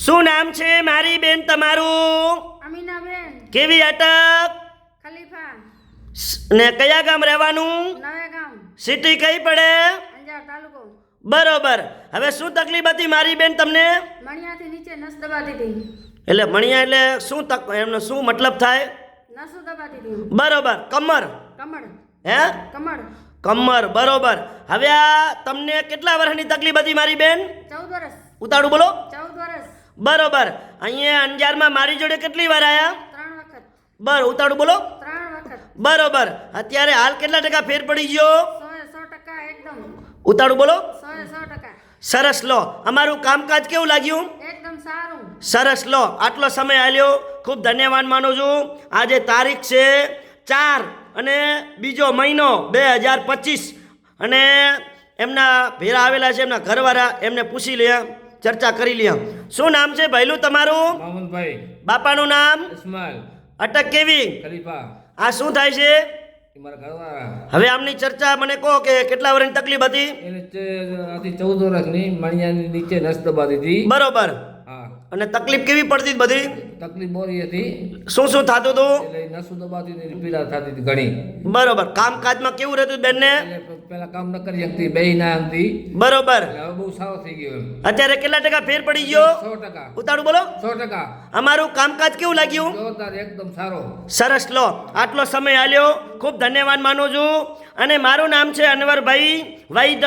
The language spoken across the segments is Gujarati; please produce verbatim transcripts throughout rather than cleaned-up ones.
શું નામ છે મારી બેન તમારું? અમીનાબેન. કેવી અટક? ખલીફા. ને કયા ગામ રહેવાનું? નવે ગામ. સિટી કઈ પડે? અંજાર તાલુકો. બરોબર. હવે શું તકલીફ હતી મારી બેન તમને? મણિયાથી નીચે નસ દબાતી હતી. એટલે મણિયા એટલે શું તક એમનો શું મતલબ થાય? નસો દબાતી હતી. બરોબર. કમર કમળ. હે કમળ. કમર બરોબર. હવે આ તમને કેટલા વર્ષની તકલીફ હતી મારી બેન? ચૌદ વર્ષ. ઉતાળું બોલો. ચૌદ વર્ષ. બરોબર. અહીંયા અંજારમાં મારી જોડે કેટલી વાર આયા? ત્રણ વખત. બર ઉતાળું બોલો. ત્રણ વખત. બરોબર. અત્યારે હાલ કેટલા ટકા ફેર પડી ગયો? સો એ સો ટકા એકદમ. ઉતાળું બોલો. સો એ સો ટકા. સરસ લો. અમારું કામકાજ કેવું લાગ્યું? એકદમ સારું. સરસ લો. આટલો સમય આલ્યો ખૂબ ધન્યવાદ માનું છું. આજે તારીખ છે ચાર અને બીજો મહિનો બે હજાર પચીસ અને એમના ભેરા આવેલા છે એમના ઘરવાળા એમને પૂછી લે ચર્ચા કરી લે. શું નામ છે ભૈલું તમારું? મામુનભાઈ. બાપાનું નામ? ઇસ્માઇલ. અટક કેવી? ખલીફા. આ શું થાય છે? એ મારા ઘરવાળા. હવે આમની ચર્ચા મને કહો કે કેટલા વર્ષની તકલીફ હતી? એને આથી ચૌદ વર્ષની મણિયાની નીચે નસ દબાતી હતી. બરોબર. હા. અને તકલીફ કેવી પડતી હતી બધી? તકલીફ બોરી હતી. શું શું થતું હતું? એટલે નસો દબાતી હતી, પીડા થતી હતી ઘણી. બરોબર. કામકાજમાં કેવું રહેતું બેનને? એટલે પેલા કામ ન કરી શકતી, બેહી ના શકતી. બરોબર. એટલે હવે બહુ સારો થઈ ગયો એમ. અત્યારે કેટલા ટકા ફેર પડી ગયો? સો ટકા. ઉતાળું બોલો. સો ટકા. અમારું કામકાજ કેવું લાગ્યું? જોરદાર, એકદમ સારો. સરસ લો. આટલો સમય આલ્યો ખૂબ ધન્યવાદ માનું છું. અને મારું નામ છે અનવરભાઈ વૈદ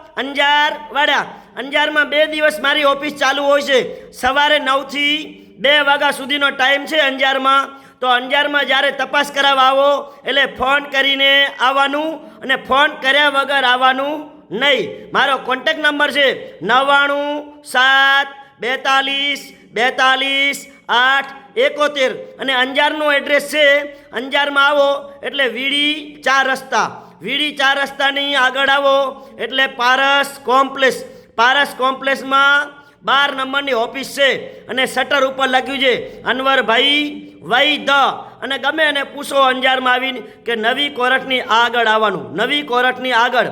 અંજાર વાડા. અંજારમાં બે દિવસ મારી ઓફિસ ચાલુ હોય છે. સવારે નવથી બે વાગ્યા સુધીનો ટાઈમ છે અંજારમાં. તો અંજારમાં જ્યારે તપાસ કરાવવા આવો એટલે ફોન કરીને આવવાનું અને ફોન કર્યા વગર આવવાનું નહીં. મારો કોન્ટેક નંબર છે નવ્વાણું સાત બેતાલીસ બેતાલીસ આઠ એકોતેર અને અંજારનું એડ્રેસ છે. અંજારમાં આવો એટલે વીડી ચાર રસ્તા વીડી ચાર રસ્તાની આગળ આવો એટલે પારસ કોમ્પ્લેક્સ પારસ કોમ્પ્લેક્સમાં બાર નંબરની ઓફિસ છે અને શટર ઉપર લખ્યું છે અનવરભાઈ વૈદ અને ગમે એને પૂછો અંજારમાં આવીને કે નવી કોરટની આગળ આવવાનું. નવી કોરટની આગળ.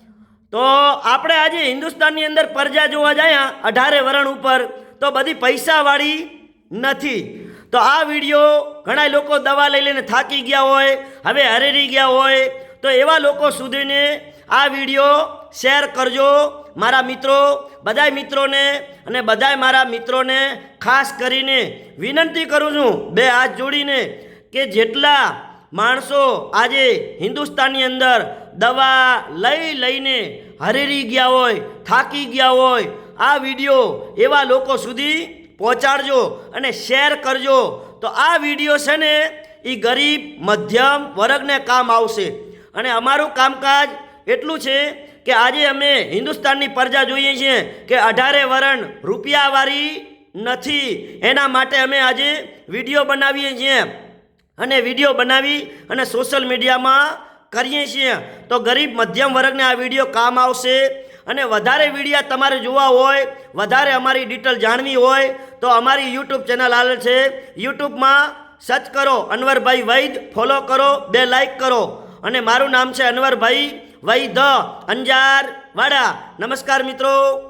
તો આપણે આજે હિન્દુસ્તાનની અંદર પ્રજા જોવા જાય અઢારે વરણ ઉપર તો બધી પૈસાવાળી નથી. તો આ વિડીયો ઘણા લોકો દવા લઈ લઈને થાકી ગયા હોય, હવે હરેરી ગયા હોય, તો એવા લોકો સુધીને આ વિડીયો શેર કરજો. મારા મિત્રો બધાય મિત્રોને અને બધાય મારા મિત્રોને ખાસ કરીને વિનંતી કરું છું બે હાથ જોડીને કે જેટલા માણસો આજે હિન્દુસ્તાનની અંદર દવા લઈ લઈને હરેરી ગયા હોય, થાકી ગયા હોય, આ વિડીયો એવા લોકો સુધી પહોંચાડજો અને શેર કરજો. તો આ વિડીયો છે ને એ ગરીબ મધ્યમ વર્ગને કામ આવશે. અને અમારું કામકાજ એટલું છે કે આજે અમે હિન્દુસ્તાનની પ્રજા જોઈએ છીએ કે અઢારે વરણ રૂપિયાવાળી નથી. એના માટે અમે આજે વિડીયો બનાવીએ છીએ અને વિડીયો બનાવી અને સોશિયલ મીડિયામાં કરીએ છીએ. તો ગરીબ મધ્યમ વર્ગને આ વિડીયો કામ આવશે. અને વધારે વિડીયા તમારે જોવા હોય, વધારે અમારી ડિટેલ જાણવી હોય તો અમારી યુટ્યુબ ચેનલ આવેલ છે. યુટ્યુબમાં સર્ચ કરો અનવરભાઈ વૈદ, ફોલો કરો, બે લાઈક કરો. અને મારું નામ છે અનવરભાઈ વૈદ અંજાર વાડા. નમસ્કાર મિત્રો.